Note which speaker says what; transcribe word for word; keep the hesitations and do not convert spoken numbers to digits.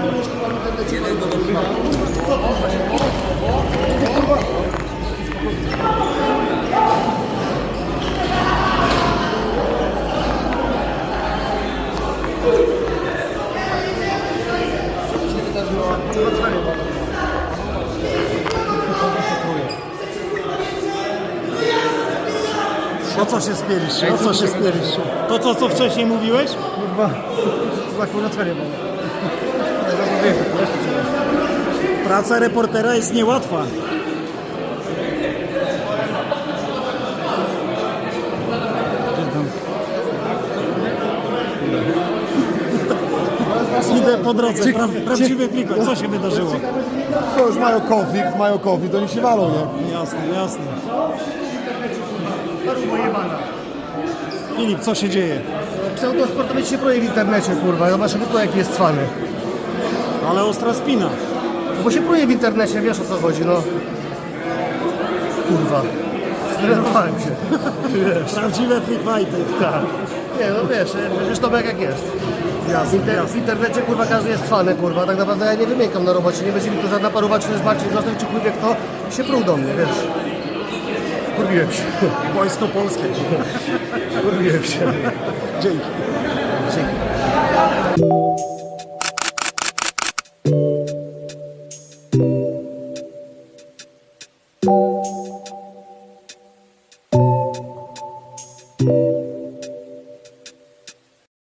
Speaker 1: O co się spieliście? O co się spieliście? To co, co wcześniej mówiłeś?
Speaker 2: Kurwa, za kurwa cwanię mam.
Speaker 1: Praca reportera jest niełatwa. Idę po drodze, pra, prawdziwy plikot. Co się wydarzyło?
Speaker 2: To już mają konflikt, mają konflikt, oni się walą, nie?
Speaker 1: Jasne, jasne.
Speaker 2: Parubo jebana.
Speaker 1: Filip, co się dzieje?
Speaker 2: Pseudosportowiec się proje w internecie, kurwa, zobacz, to jaki jest cwany.
Speaker 1: Ale ostra spina.
Speaker 2: No bo się proje w internecie, wiesz o co chodzi, no. Kurwa. Zdenerwowałem się. Wiesz.
Speaker 1: Prawdziwe freakfighty.
Speaker 2: Tak. Nie, no wiesz, przecież to jak jest.
Speaker 1: Jasne,
Speaker 2: Inter, w
Speaker 1: jasne.
Speaker 2: internecie, kurwa, każdy jest cwany, kurwa, tak naprawdę ja nie wymiękam na robocie, nie będzie mi tu żadna paruwa, czy to jest Marcin Grostek, czy chujwie kto, się pruł do mnie, wiesz. Kurwiłem się.
Speaker 1: Wojsko polskie.
Speaker 2: Kurwiłem się.
Speaker 1: Dzięki.
Speaker 2: Dzięki.